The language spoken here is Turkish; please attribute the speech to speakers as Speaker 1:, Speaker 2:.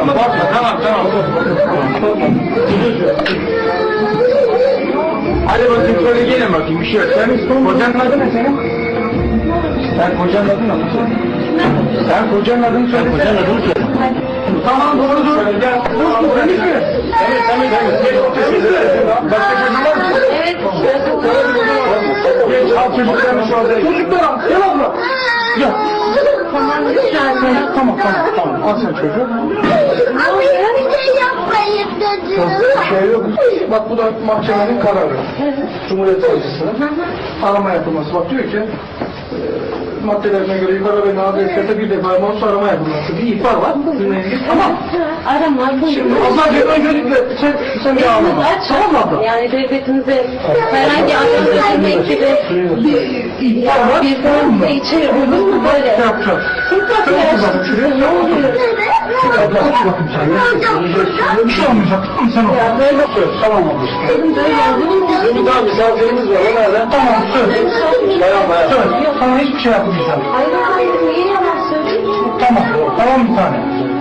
Speaker 1: Tamam, tamam. Hadi bakayım şöyle gelin bakayım, bir şey yok. Kocanın adı ne senin? Sen kocanın adını mı söyle? Sen kocanın adını söyle. Kocanın adını söyle. Tamam, doğru. Gel. Temiz mi? Evet. Başka çocuğun var mı?
Speaker 2: Evet.
Speaker 1: Geç, al çocuklarını şu anda. Çocuklar, gel abla. Gel.
Speaker 2: Tamam lütfen.
Speaker 1: Tamam. Al sen çocuğu.
Speaker 3: Ama hiçbir şey yapmayın dedim.
Speaker 1: Şey yok. Bak bu da mahkemenin kararı. Cumhuriyet Savcısı'nın arama yapılması. Bak diyor ki maddelerine göre yukarı ve nadir sete bir defa mahsus arama yapılması. Bir ihbar var. Tamam.
Speaker 2: Arama.
Speaker 1: Şimdi ablacığım öncelikle sen bir ağlama. Tamam mı abla?
Speaker 2: Yani devletimize herhangi anlaşılma gibi
Speaker 1: İhbar var.
Speaker 2: bir durumda içeri olur mu böyle?
Speaker 1: Ne yapacağız? Ne oluyor? Abla aç bakayım sen. Bir şey olmayacak. Tamam sen ol. Tamam abla. Bizim daha misafirimiz var. O nereden? Tamam söz. Bayan. Söz. Sana hiçbir şey yapmayacağım.
Speaker 2: Hayır, niye yalan söylüyorsun?
Speaker 1: Tamam bir tane.